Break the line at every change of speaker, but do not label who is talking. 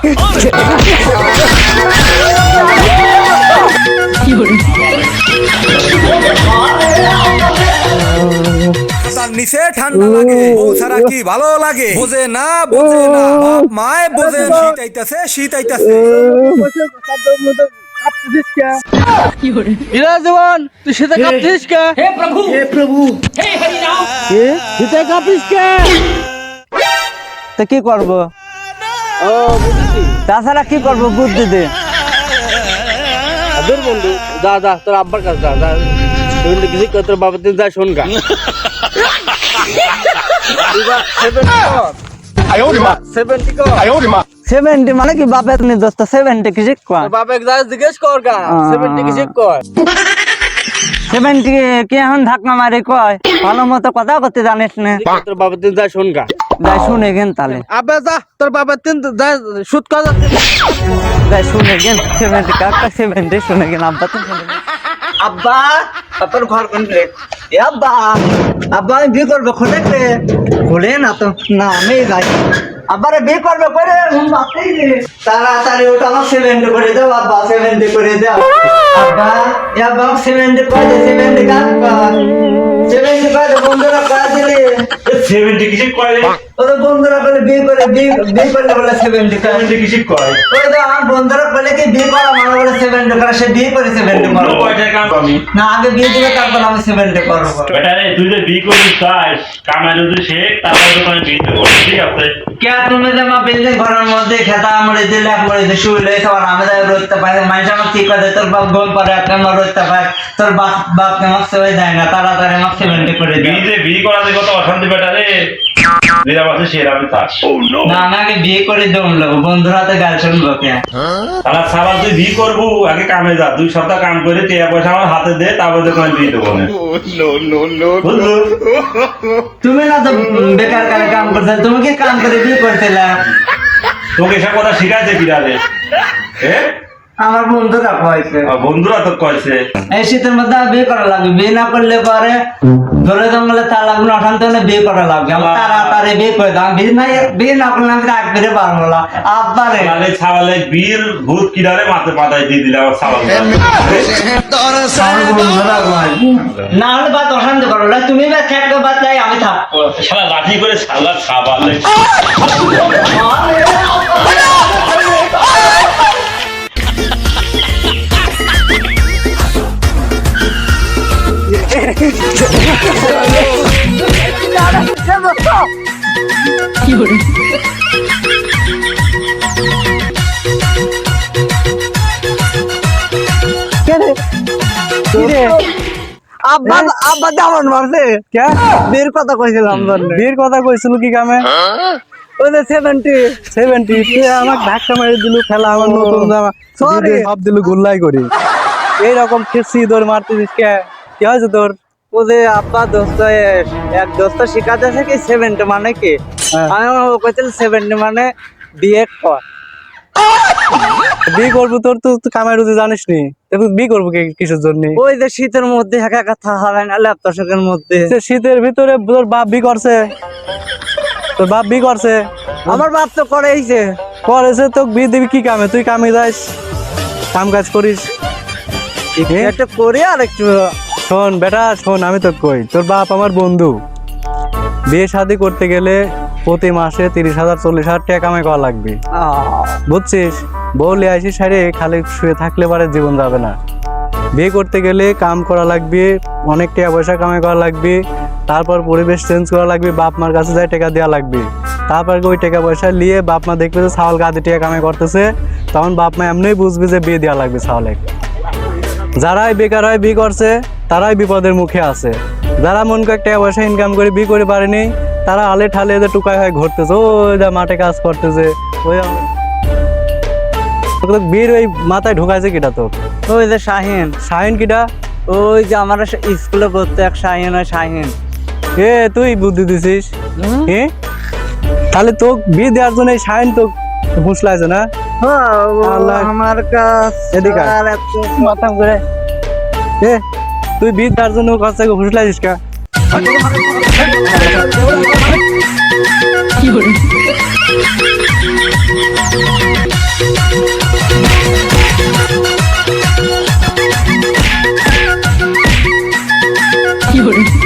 নিচে ঠান্ডা লাগে ও ছাড়া কি ভালো লাগে বোঝে না বাপ মায় বোঝে শীত আইতাছে
জবান তুই শীতে কাঁপছিস কে? হে প্রভু হে হরি রাম শীতে কাঁপিস কে?
তো কি করবো?
ও বুঝেছি।
তাছাড়া কি করবো বুদ্ধি দে।
দূর বন্ধু যা তোর আব্বার কাছে যা কিছু তোর বাবা তুই যা শোন গা।
70 মানে কি বাপের দোস্ত 70 কি শিখবা?
বাপে যা জিজ্ঞেস কর গা 70 কি শিখ কর।
70 কি এখন ধাক্কা মারি কয়? ভালো মতো কথা করতে জানিস না।
তোর বাবা তুই যা শোন গা।
যাই শুনে গেন তাহলে।
আবে যা তোর বাবা তিন যা সুদ কর
যাই শুনে গেন 70 কাকা 70 শুনে গেন আব্বা তো শুনে গেন। আব্বা তোর ঘর কোন রে? এ আব্বা আমি বিয়ে করবো খোলে না তো না আমি যাই আব্বারে বিয়ে করবো করে তাড়াতাড়ি ওটা আমার 70 করে দাও আব্বা 70 করে দাও আব্বা এ আব্বা 70 করে দে 70 কাট কর 70 করে বন্ধুরা কাজ দিলে
70 কিছু কয়
ওদের বন্ধুরা বলে বিয়ে করলে বলে 70 করে
70 কিছু কয়
ওই তো আমার বন্ধুরা বলে কি বিয়ে করা মানে বলে 70 করে সে বিয়ে করে 70 করবো
কয় টাকা আমি
না আগে বিয়ে দিবে তারপর আমি 70 করবো
বেটা রে তুই যে বিয়ে করবি চাস কামাই যদি শেখ তারপর তো আমি বিয়ে দেবো ঠিক আছে
কে তুমি যে মা বিল্ডিং ঘরের মধ্যে খেতা মরে দিলে মরে দিয়ে শুইলে সবার আমি যাই রইতে পারি মানুষ আমার কি করে তোর বাপ গোল করে একটা আমার রইতে পারে তোর বাপ আমাকে সবাই দেয় না তাড়াতাড়ি আমাকে 70 করে দিও
বিয়ে করা যে কত অশান্তি বেটা রে যেটা আছে সেটা আমি চাস
না আমাকে বিয়ে করে দম লাগবো বন্ধুর হাতে গাল শুনবো কে
তাহলে সাবাল তুই বিয়ে করবো আগে কামে যা 2 সপ্তাহ কাম করে টাকা পয়সা আমার হাতে দে তারপর তো আমি বিয়ে দেবো না বুঝলো
তুমি না তো বেকার কালে কাম করতে তুমি কি কাম করে বিয়ে করতেলা
তোকে এসব কথা শিখাইছে কিরা রে
আমার বন্ধুরা কয়েছে
বন্ধুরা তো কয়েছে
এই শীতের মধ্যে বিয়ে করা লাগবে বিয়ে না করলে পরে ধরে জঙ্গলে তার লাগবে অশান্ত হলে বিয়ে করা লাগবে আমার তাড়াতাড়ি বিয়ে করে দাও বিয়ে না করলে আমি রাখ বেড়ে পারবো না আব্বারে
আরে ছাওয়ালে বীর ভূত কিরারে মাথে পাতায় দিয়ে দিলে আমার ছাওয়াল
না হলে বাদ অশান্ত করো না তুমি বা থাকবে বাদ যাই আমি থাকবো
শালা লাঠি করে শালা ছাওয়ালে
আব্বা দামন মারছে বীর কথা কইছিলাম বীর কথা কইছিল কি কামে ওই যে 70 তুই আমাকে ধাক্কা মেরে দিলু খেলা আমার নতুন জামা সব দিলু গুল্লাই করি এইরকম খেসি দৌড় মারতেছিস কে কি হয়েছে তোর ও যে আব্বা দোস্ত এক দোস্ত শিখাতেছে কি 70 মানে কি আমি কইছিল 70 মানে বিয়ে কর বিয়ে করবো তোর তো কামাই রুজি জানিস নি বিয়ে করবো কিসের জন্য ওই যে শীতের মধ্যে একা কথা হয় না ল্যাপটপের মধ্যে শীতের ভিতরে তোর বাপ বিয়ে করছে তোর বাপ বিয়ে করছে আমার বাপ তো করেছে তো বিয়ে দিবি কি কামে তুই কামে যাস কাম কাজ করিস একটা করি আর একটু শোন বেটা শোন আমি তো কই তোর বাপ আমার বন্ধু বিয়ে শাদী করতে গেলে প্রতি মাসে 30,000 40,000 টাকা কামাই করা লাগবে বুঝছিস বউলে আসিস সারে খালি শুয়ে থাকলে পারে জীবন যাবে না বিয়ে করতে গেলে কাম করা লাগবে অনেক টাকা পয়সা কামাই করা লাগবে তারপর পরিবেশ চেঞ্জ করা লাগবে বাপ মার কাছে যাই টাকা দেওয়া লাগবে তারপর ওই টাকা পয়সা নিয়ে বাপ মা দেখবে যে ছাওয়াল গাদি টাকা কামাই করতেছে তখন বাপ মা এমনিই বুঝবে যে বিয়ে দেওয়া লাগবে ছাওয়ালে যারাই বেকার হয় বিয়ে করছে তারাই বিপদের মুখে আছে যারা মন করে টাকা পয়সা ইনকাম করে বিয়ে করে পারেনি তারা আলে ঠালে এদের টুকায় হয় ঘুরতেছে ওই যা মাঠে কাজ করতেছে ওই বীর ওই মাথায় ঢুকাইছে কিটা তো ওই যে শাহিন কিটা ওই যে আমার স্কুলে পড়তে এক শাহিন হয় শাহিন তুই বুদ্ধি দিছিস তাহলে তো বিয়ে দেওয়ার জন্য এই শাহিন তো ঘুষলাইছে না আমার কাছে মাথা ঘুরে তুই বিয়ে দেওয়ার জন্য কাছ থেকে ঘুষলাইছিস কা কি
有人，